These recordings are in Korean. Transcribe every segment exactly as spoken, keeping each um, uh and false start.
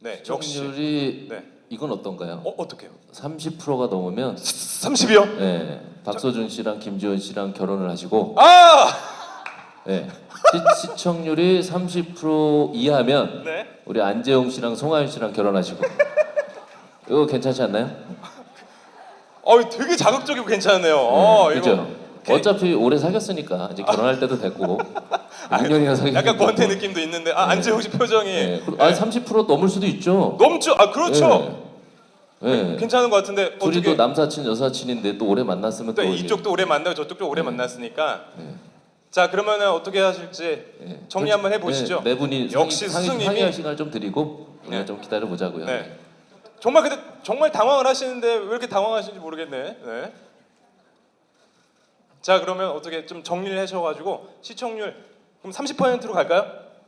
네, 역시. 시청률이 네. 이건 어떤가요? 어, 어떻게요? 삼십 퍼센트가 넘으면 삼십이요? 네, 박서준 씨랑 김지원 씨랑 결혼을 하시고 아! 네, 시, 시청률이 삼십 퍼센트 이하면 네. 우리 안재홍 씨랑 송하윤 씨랑 결혼하시고 이거 괜찮지 않나요? 어, 되게 자극적이고 괜찮네요. 어, 네, 이거 그죠? 어차피 오래 사귀었으니까 이제 결혼할 때도 됐고 육 년이나 사귀었고 약간 권태 느낌도 있는데 아, 네. 안재홍 씨 표정이 네. 아 삼십 퍼센트 넘을 수도 있죠. 넘죠. 아, 그렇죠. 네. 네. 괜찮은 것 같은데 둘이 어떻게 또 남사친 여사친인데 또 오래 만났으면 또 또 이쪽도 오래 만나고 저쪽도 오래 네. 만났으니까 네. 자, 그러면은 어떻게 하실지 네. 정리 한번 해보시죠. 네, 네 분이 역시 상의, 스승님이 상의할 시간을 좀 드리고 우리가 네. 좀 기다려 보자고요. 네. 정말 근데 정말 당황을 하시는데 왜 이렇게 당황하시는지 모르겠네. 네. 자, 그러면 어떻게 좀 정리를 하셔가지고 시청률 그럼 삼십 퍼센트로 갈까요?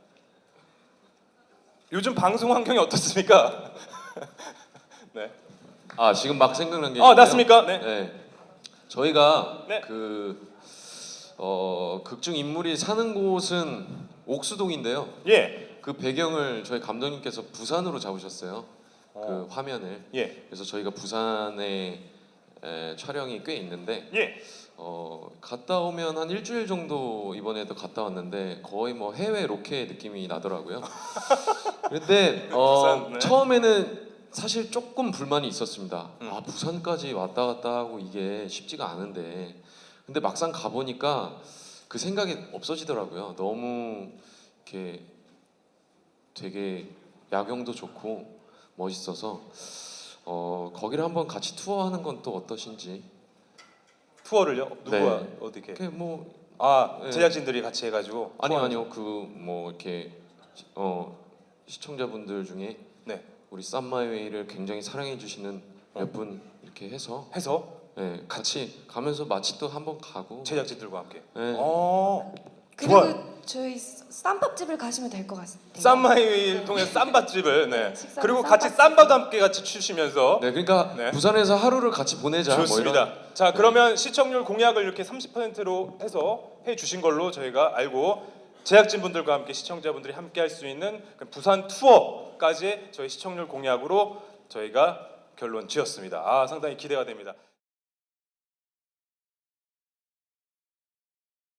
요즘 방송 환경이 어떻습니까? 네. 아 지금 막 생각난 게 아, 있는데요. 났습니까? 네. 네. 저희가 네. 그 어, 극중 인물이 사는 곳은 옥수동인데요. 예. 그 배경을 저희 감독님께서 부산으로 잡으셨어요. 어. 그 화면을. 예. 그래서 저희가 부산에 에, 촬영이 꽤 있는데 예. 어, 갔다 오면 한 일주일 정도 이번에도 갔다 왔는데 거의 뭐 해외 로케 느낌이 나더라고요. 근데 어, 부산, 네. 처음에는 사실 조금 불만이 있었습니다. 음. 아 부산까지 왔다 갔다 하고 이게 쉽지가 않은데 근데 막상 가보니까 그 생각이 없어지더라고요. 너무 이렇게 되게 야경도 좋고 멋있어서 어, 거기를 한번 같이 투어하는 건 또 어떠신지. 투어를요? 누구야? 네. 어떻게? 그게 뭐 아, 네. 제작진들이 같이 해가지고. 아니요 투어- 아니요 그 뭐 이렇게 어 시청자분들 중에 네. 우리 쌈마이웨이를 굉장히 사랑해 주시는 몇 분 이렇게 해서 해서 네, 같이 가면서 마치 또 한번 가고 제작진들과 함께. 네. 어. 그리고 좋아요. 저희 쌈밥집을 가시면 될 것 같아요. 쌈마이웨이를 통해 쌈밥집을 네. 식사- 그리고 같이 쌈밥집. 쌈바도 함께 같이 추시면서 네 그러니까 네. 부산에서 하루를 같이 보내자 좋습니다. 뭐 이런 자, 그러면 시청률 공약을 이렇게 삼십 퍼센트로 해서 해 주신 걸로 저희가 알고 제작진 분들과 함께 시청자분들이 함께 할 수 있는 그 부산 투어까지 저희 시청률 공약으로 저희가 결론 지었습니다. 아, 상당히 기대가 됩니다.